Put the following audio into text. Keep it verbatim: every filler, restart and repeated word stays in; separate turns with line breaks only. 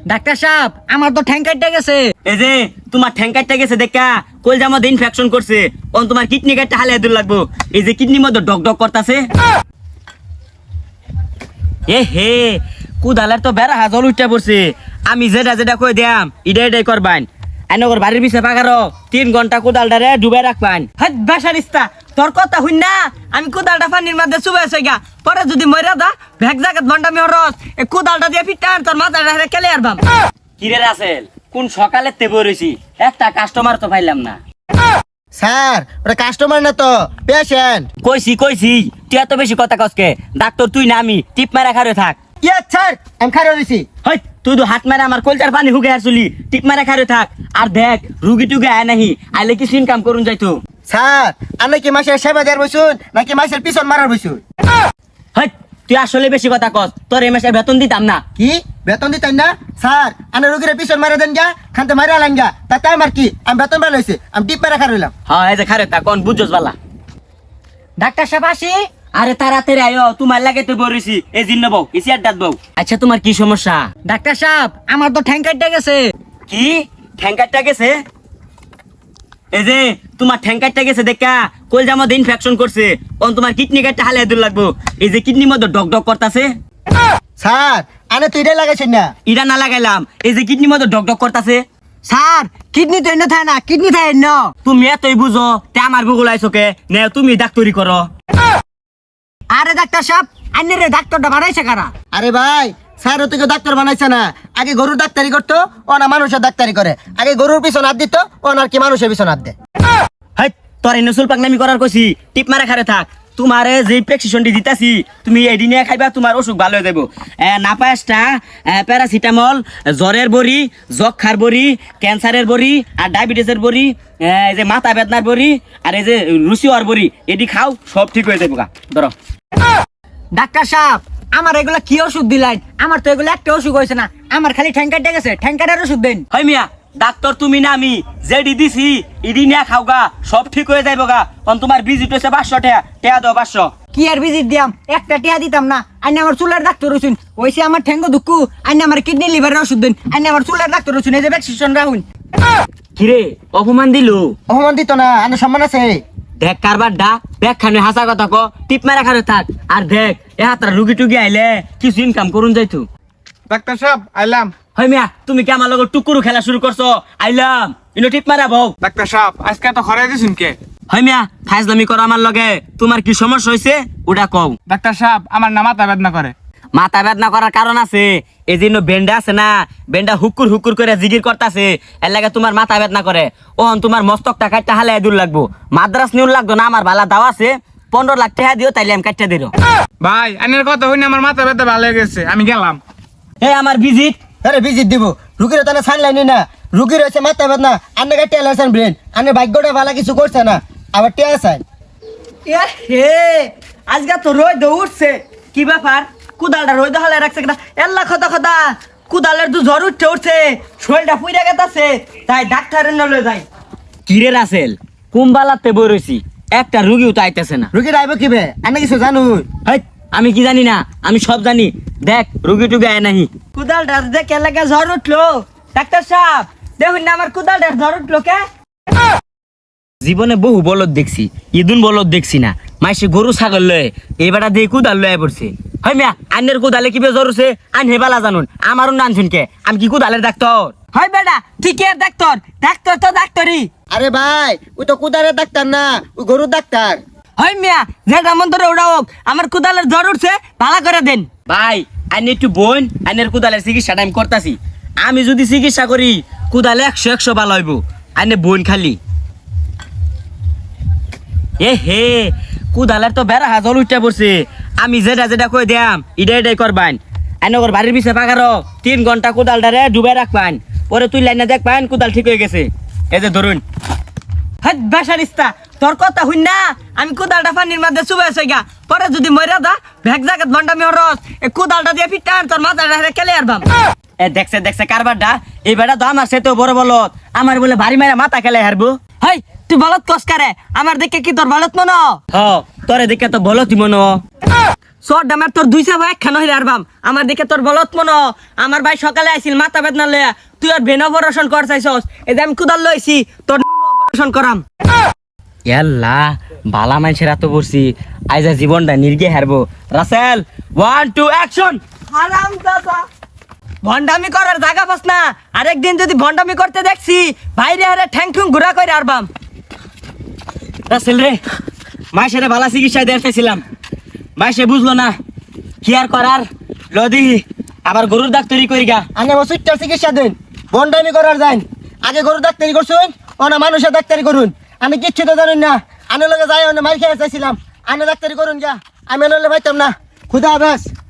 Doctor সাহেব আমার তো ঠ্যাং কাটতে গেছে।
এই যে তোমার ঠ্যাং কাটতে গেছে দেখা কলজার মধ্যে ইনফেকশন করছে, অন তোমার কিডনি কাটতে হালে দূর লাগবো। এই যে কিডনির মধ্যে ডক ডক করতেছে। এ হে কুদালের তো বেড়া হাজল উঠতে পড়ছে। আমি যেটা যেটা কই দিয়াম ইডা ইডাই করবান। আইনগর বাড়ির পিছে পাকারো তিন ঘন্টা কুদালটারে ডুবে রাখবান।
হাত বেসারিস্তা তোর কথা হইন না, আমি কোদালটা পানির মধ্যে চুবাই গা, পরে যদি মরে দা ভেক জায়গাত বন্ডামি হরস এ কোদালটা দিয়ে ফিটান তোর মাথাটা কেলে আরবাম।
কিরে রাসেল কোন সকালে তে বইছি, একটা কাস্টমার তো পাইলাম না।
স্যার ওটা কাস্টমার না তো পেশেন্ট।
কইছি কইছি তুই এত বেশি কথা কসকে, ডাক্তার তুই না আমি, টিপ মারা খারে থাক।
ইয়ে স্যার আমি খাইয়ে দিছি।
হই তুই তো হাত মারা আমার কলচার পানি হুকে আসলি, টিপ মারা খারে থাক। আর দেখ রুগী টুগে আয় নাহি, আইলে কিছু ইনকাম করুন যাইতো।
স্যার আপনি কি মাসের সেবা দেওয়ার বসুন নাকি মাসের পিছন মারার বসুন?
হই তুই আসলে বেশি কথা কস, তোর এই মাসে বেতন দিতাম না।
কি বেতন দিতেন না? স্যার আমি রুগীর পিছন মারা দেন গা, খানতে মারা আলেন গা, তাতে আমার কি আমি বেতন ভালো হয়েছে আমি টিপ মারা খাই রইলাম।
হ্যাঁ এই যে খারে থাক কোন বুঝছস বালা।
ডাক্তার সাহেব আসি।
আরে তাড়াতাড়ি আয়ো, তোমার লাগে তো বরিছি। এই জিন্ন বউ এসি আড্ডাত বউ। আচ্ছা তোমার কি সমস্যা?
ডাক্তার সাহেব আমার তো ঠ্যাং কাটতে গেছে।
কি ঠ্যাং কাটটা গেছে? এই যে তোমার ঠ্যাং কাটটা গেছে দেখা কলজার মধ্যে ইনফেকশন করছে, অন তোমার কিডনি কাটতে হালে দূর লাগবো। এই যে কিডনির মধ্যে ডক ডক করতেছে।
স্যার আনে তুই এটাই লাগাইছেন না?
ইটা না লাগাইলাম, এই যে কিডনির মধ্যে ডক ডক করতেছে।
স্যার কিডনি তো এন্ন থাকে না, কিডনি থাকে এন্ন।
তুমি এতই বুঝো তে আমার গুগল আইসোকে নে তুমি ডাক্তারি করো।
আরে ডাক্তার সাহেব আইনের রে ডাক্তারটা বানাইছে কারা?
আরে ভাই স্যার ও তোকে ডাক্তার বানাইছে না, আগে গরুর ডাক্তারি করতো ও না মানুষের ডাক্তারি করে। আগে গরুর পিছন হাত দিত ও না আর কি মানুষের পিছন হাত দেয়।
হাই তোর এই নসুল পাকনামি করার কইছি, টিপ মারা খারে থাক। তোমারে যে প্রেসক্রিপশনটি দিতাছি তুমি এডি নিয়ে খাইবা, তোমার অসুখ ভালো হয়ে যাবো। নাপায়াসটা, প্যারাসিটামল, জ্বরের বড়ি, যক্ষার বড়ি, ক্যান্সারের বড়ি আর ডায়াবেটিসের বড়ি, এই যে মাথা বেদনার বড়ি আর এই যে রুচিওয়ার বড়ি, এটি খাও সব ঠিক হয়ে যাবো গা। ধরো
ডাক্তার সাহেব আমার এগুলা কি ওষুধ দিলেন? আমার তো এগুলো একটা ওষুধ হয়েছে না, আমার খালি ঠ্যাং কাটতে গেছে, ঠ্যাং কাটার ওষুধ দেন।
হয় মিয়া ডাক্তার তুমি না আমি, যেডি দিছি ইডি নিয়ে খাও গা, সব ঠিক হয়ে যাইব গা। অন তোমার ভিজিট হয়েছে পাঁচশো টাকা, টাকা দাও পাঁচশো।
কি আর ভিজিট দিয়াম, একটা টিয়া দিতাম না। আইনে আমার চুলের ডাক্তার হইছুন, ওইসে আমার ঠ্যাঙ্গো দুঃখু। আইনে আমার কিডনি লিভারের ওষুধ দেন, আইনে আমার চুলের ডাক্তার হইছুন, এই যে ভ্যাকসিনেশন রাখুন।
কিরে অপমান দিলু?
অপমান দিত না, আনে সম্মান আছে।
দেখ কারবার ডা দেখ খানে হাসা কথা ক, টিপ মারা খারে থাক। আর দেখ এ হাতরা রুগী টুগি আইলে কিছু ইনকাম করুন যাইতো।
ডাক্তার সাহেব আইলাম।
হয় মিয়া তুমি কি আমার লগত টুকুরু খেলা শুরু করছো? আইলাম ইনো টিপ মারা বউ।
ডাক্তার সাহেব আজকে তো খরাই দিছুন কে?
হয় মিয়া ফাইজলামি করো আমার লগে, তোমার কি সমস্যা হয়েছে ওটা কও।
ডাক্তার সাহেব আমার না মাথা বেদনা করে।
মাথা বেদনা করার কারণ আছে, এই জন্য বেন্ডা আছে না, বেন্ডা হুকুর হুকুর করে জিগির করতেছে, এর লাগে তোমার মাথা বেদনা করে। ওহন তোমার মস্তকটা কাটতে হালে দূর লাগবো, মাদ্রাস নিউর লাগতো না। আমার ভালা দাও আছে, পনেরো লাখ টাকা দিও তাইলে আমি কাটতে দিল।
ভাই আইনের কথা হইনি আমার মাথা ব্যথা ভালো হয়ে গেছে, আমি গেলাম।
এই আমার ভিজিট।
আরে ভিজিট দিব রুগীর তাহলে সাইনলাইনি না, রুগীর হয়েছে মাথা বেদনা, আন্নে গায়ে টেলার ব্রেন, আন্নে ভাগ্যটা ভালো কিছু করছে না, আবার টেয়া সাইন।
এ হে আজকে তো রোদ উঠছে, কি ব্যাপার? কুদালটা রোদ হলে রাখছে কিনা? এল্লা কথা কথা কুদালের তো জ্বর উঠছে উঠছে, শরীরটা পুইরা গেতাছে, তাই ডাক্তারের নলে যাই।
কিরে রাসেল কুম্বালাতে বই রয়েছি, একটা রুগীও তো আইতেছে না।
রুগীর আইব কিবে আন্নে কিছু জানু?
হেই, আমি কি জানি না? আমি সব জানি। দেখ রুগী টুগী আয় নাহি।
কুদালটা দেখে লাগে জ্বর উঠলো। ডাক্তার সাহেব দেখুন না আমার কুদালটার জ্বর উঠলো কে?
জীবনে বহু বলদ দেখছি, ইদুন বলদ দেখছি না। মাইসে গরু ছাগল লয়ে এবারটা দিয়ে কুদাল লয়ে পড়ছে। হয় মিয়া আইনের কুদালে কি বেজর হচ্ছে? আইন হেবালা জানুন, আমারও নান শুনকে আমি কি কুদালের ডাক্তার?
হয় বেটা ঠিক আর ডাক্তার, ডাক্তার তো ডাক্তারই।
আরে ভাই ওই তো কুদারের ডাক্তার না, ওই গরুর ডাক্তার।
হয় মিয়া যেটা মন ধরে ওটা হোক, আমার কুদালের জ্বর উঠছে, ভালো করে দেন।
ভাই আইন একটু বোন, আইনের কুদালের চিকিৎসাটা আমি করতেছি। আমি যদি চিকিৎসা করি কুদালে একশো একশো ভালো হইব। আইনে বোন খালি এ হে কুদালের তো বেড়া হাজল উঠতে পড়ছে। আমি যেটা যেটা কই দিয়াম ইডা ইডাই করবান। আইনগর বাড়ির পিছে পাকারো তিন ঘন্টা কুদালটারে ডুবে রাখবান, পরে তুই লাইনে দেখবান কুদাল ঠিক হয়ে গেছে। এই যে ধরুন।
হাত বেসারিস্তা তোর কথা হইন না, আমি কুদালটা পানির মধ্যে চুবাই গা, পরে যদি মরে দা ভেক জায়গাত বন্ডামি হরস এ কোদালটা দিয়ে ফিটান তোর মাথাটা কেলে আরবাম।
এ দেখছে দেখছে কারবারটা, এই বেটা তো আমার সেতো বড় বলত, আমার বলে বাড়ি মারা মাথা খেলে হারবো।
হাই তুই বলত কস কারে, আমার দেখে কি তোর বলত মনো?
হ তোরে দেখে তো বলতি মনো।
সর ডামার তোর দুই চাপ একখান হইলে আরবাম আমার দিকে তোর বলত মনো আমার ভাই সকালে আইছিল মাথা বেদনা লয়া তুই আর ভেন অপারেশন কর চাইছস এই যে আমি কুদাল লইছি তোর অপারেশন করাম
ইয়াল্লা বালা মানুষের এত বসছি আইজা জীবনটা নির্গে হারবো রাসেল ওয়ান টু অ্যাকশন
হারাম দাদা ভন্ডামি করার জায়গা পাস না আরেকদিন যদি ভন্ডামি করতে দেখছি বাইরে হারে ঠ্যাং ঠুং ঘুরা করে আরবাম
রাসেল রে মায়ের বালা চিকিৎসা দেখতেছিলাম মাই সে বুঝলো না কি আর করার লদি আবার গরুর ডাক্তারি করি গা
আনে ওষুধটার চিকিৎসা দিন বন্ডামি করার যাইন আগে গরুর ডাক্তারি করছুন ওনা মানুষের ডাক্তারি করুন আমি কিচ্ছু তো জানেন না আনে লগে যাই ওনা মাই খেয়ে চাইছিলাম আনে ডাক্তারি করুন যা আমি নলে পাইতাম না খুদা হাফেজ